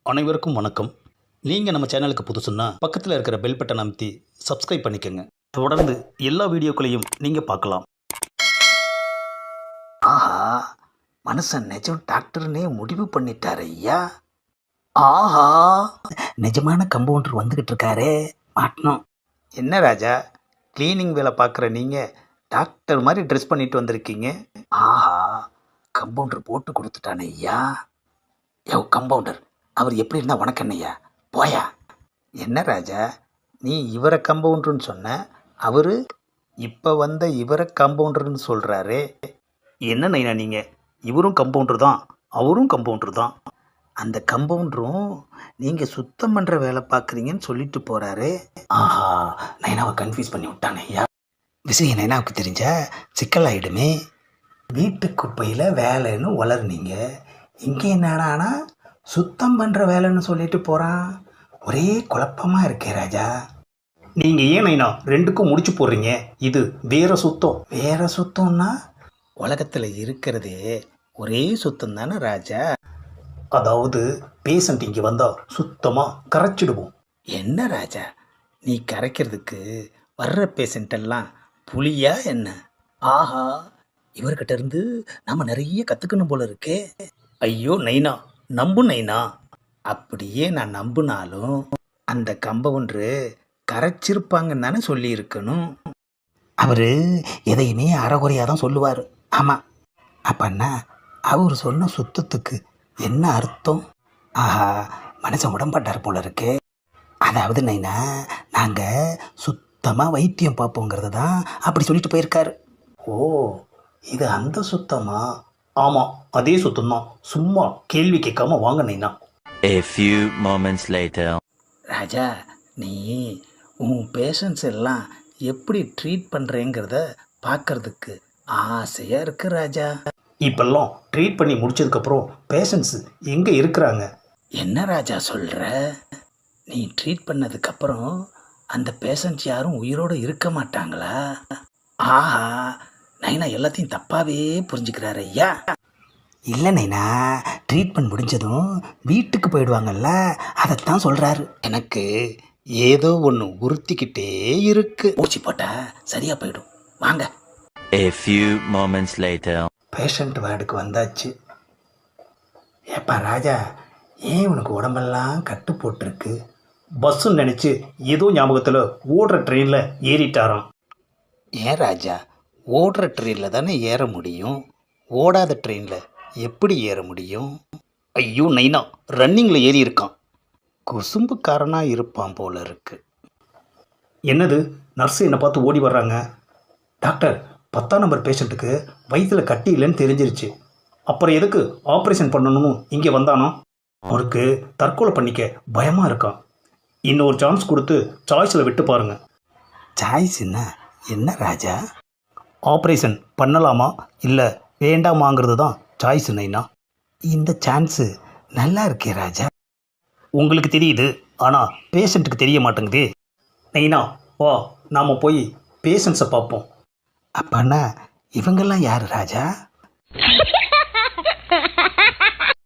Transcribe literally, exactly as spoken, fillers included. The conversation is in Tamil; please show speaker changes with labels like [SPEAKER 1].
[SPEAKER 1] அனைவருக்கும் வணக்கம். நீங்கள் நம்ம சேனலுக்கு புதுசுன்னா பக்கத்தில் இருக்கிற பெல் பட்டன் அமைத்தி சப்ஸ்கிரைப் பண்ணிக்கோங்க. தொடர்ந்து எல்லா வீடியோக்களையும் நீங்கள் பார்க்கலாம்.
[SPEAKER 2] ஆஹா, மனுஷன் நிஜம் டாக்டர்னே முடிவு பண்ணிட்டார் ஐயா. ஆஹா, நிஜமான கம்பவுண்டர் வந்துக்கிட்டு இருக்காரே, மாட்டணும். என்ன ராஜா, க்ளீனிங் வேலை பார்க்குற நீங்கள் டாக்டர் மாதிரி ட்ரெஸ் பண்ணிட்டு வந்திருக்கீங்க. ஆஹா, கம்பவுண்டர் போட்டு கொடுத்துட்டானே ஐயா. யோ கம்பவுண்டர், அவர் எப்படி இருந்தால் உனக்கு என்னையா, போயா. என்ன ராஜா, நீ இவரை கம்பவுண்டர்னு சொன்ன, அவர் இப்போ வந்த இவரை கம்பவுண்டர்னு சொல்கிறாரே.
[SPEAKER 1] என்ன நைனா நீங்கள், இவரும் கம்பவுண்டர் தான் அவரும் கம்பவுண்டர் தான்.
[SPEAKER 2] அந்த கம்பவுண்டரும் நீங்கள் சுத்தம் பண்ணுற வேலை பார்க்குறீங்கன்னு சொல்லிட்டு போகிறாரு. ஆஹா, நைனாவை கன்ஃபியூஸ் பண்ணி விட்டானே ஐயா. விஷயம் நைனாவுக்கு தெரிஞ்சா சிக்கலாயிடுமே. வீட்டு குப்பையில் வேலைன்னு வளர்னீங்க, இங்கே என்னடானா சுத்தம் பண்ணுற வேலைன்னு சொல்லிட்டு போகிறான். ஒரே குழப்பமாக இருக்கே ராஜா.
[SPEAKER 1] நீங்கள் ஏன் நைனா ரெண்டுக்கும் முடிச்சு போடுறீங்க? இது வேற சுத்தம்.
[SPEAKER 2] வேற சுத்தம்னா உலகத்தில் இருக்கிறதே ஒரே சுத்தம் தானே ராஜா.
[SPEAKER 1] அதாவது பேஷண்ட் இங்கே வந்தால் சுத்தமாக கரைச்சிடுவோம்.
[SPEAKER 2] என்ன ராஜா, நீ கரைக்கிறதுக்கு வர்ற பேஷண்ட்டெல்லாம் புலியா என்ன? ஆஹா, இவர்கிட்ட இருந்து நம்ம நிறைய கற்றுக்கணும் போல இருக்கே.
[SPEAKER 1] ஐயோ நைனா, நம்பு நைனா.
[SPEAKER 2] அப்படியே நான் நம்பினாலும் அந்த கம்பவுண்டரு கரைச்சிருப்பாங்கன்னு தானே சொல்லியிருக்கணும். அவர் எதையுமே அறகுறையாக தான் சொல்லுவார். ஆமாம், அப்பன்னா அவர் சொன்ன சுத்தத்துக்கு என்ன அர்த்தம்? ஆஹா, மனுஷன் உடம்பட்டார் போல இருக்கே. அதாவது நைனா, நாங்கள் சுத்தமாக வைத்தியம் பார்ப்போங்கிறது தான் அப்படி சொல்லிட்டு போயிருக்காரு.
[SPEAKER 1] ஓ, இது அந்த சுத்தமா? ஆமாம், அதே சுத்தம்தான். சும்மா கேள்வி கேட்காம வாங்க நைனா.
[SPEAKER 3] A few moments later.
[SPEAKER 2] ராஜா, நீ உன் பேஷண்ட்ஸ் எல்லாம் எப்படி ட்ரீட் பண்ணுறேங்கிறத பார்க்கறதுக்கு ஆசையாக இருக்கு ராஜா.
[SPEAKER 1] இப்பெல்லாம் ட்ரீட் பண்ணி முடிச்சதுக்கப்புறம் பேஷண்ட்ஸு எங்கே இருக்கிறாங்க?
[SPEAKER 2] என்ன ராஜா சொல்கிற? நீ ட்ரீட் பண்ணதுக்கப்புறம் அந்த பேஷண்ட்ஸ் யாரும் உயிரோடு இருக்க மாட்டாங்களா? ஆஹா, நைனா எல்லாத்தையும் தப்பாகவே புரிஞ்சுக்கிறாரு ஐயா. இல்லை நைனா, ட்ரீட்மெண்ட் முடிஞ்சதும் வீட்டுக்கு போயிடுவாங்கல்ல, அதைத்தான் சொல்கிறாரு. எனக்கு ஏதோ ஒன்று உறுத்திக்கிட்டே இருக்கு. ஊசி போட்டால் சரியாக போயிடும், வாங்க.
[SPEAKER 3] A few moments later.
[SPEAKER 2] Patient வார்டுக்கு வந்தாச்சு. ஏப்பா ராஜா, ஏன் உனக்கு உடம்பெல்லாம் கட்டு போட்டிருக்கு?
[SPEAKER 1] பஸ்ஸுன்னு நினச்சி ஏதோ ஞாபகத்தில் ஓடுற ட்ரெயினில் ஏறிட்டாராம்.
[SPEAKER 2] ஏன் ராஜா, ஓடுற ட்ரெயினில் தானே ஏற முடியும், ஓடாத ட்ரெயினில் எப்படி ஏற முடியும்?
[SPEAKER 1] ஐயோ நைனா, ரன்னிங்கில் ஏறி இருக்கான்.
[SPEAKER 2] குசும்புக்காரனாக இருப்பான் போல இருக்கு.
[SPEAKER 1] என்னது, நர்ஸு என்னை பார்த்து ஓடி வர்றாங்க. டாக்டர், பத்தாம் நம்பர் பேஷண்ட்டுக்கு வயிற்றில் கட்டி இல்லைன்னு தெரிஞ்சிருச்சு. அப்புறம் எதுக்கு ஆப்ரேஷன் பண்ணணும்னு இங்கே வந்தானோ? அவருக்கு தற்கொலை பண்ணிக்க பயமாக இருக்கான். இன்னொரு சான்ஸ் கொடுத்து சாய்ஸில் விட்டு பாருங்கள்.
[SPEAKER 2] சாய்ஸ் என்ன என்ன ராஜா?
[SPEAKER 1] ஆப்ரேஷன் பண்ணலாமா இல்லை வேண்டாமாங்கிறது தான் சாய்ஸ் நைனா.
[SPEAKER 2] இந்த சான்ஸு நல்லா இருக்கே ராஜா.
[SPEAKER 1] உங்களுக்கு தெரியுது, ஆனால் பேஷண்ட்டுக்கு தெரிய மாட்டேங்குது. நைனா வா, நாம் போய் பேஷண்ட்ஸை பார்ப்போம்.
[SPEAKER 2] அப்பன்னா இவங்கெல்லாம் யார் ராஜா?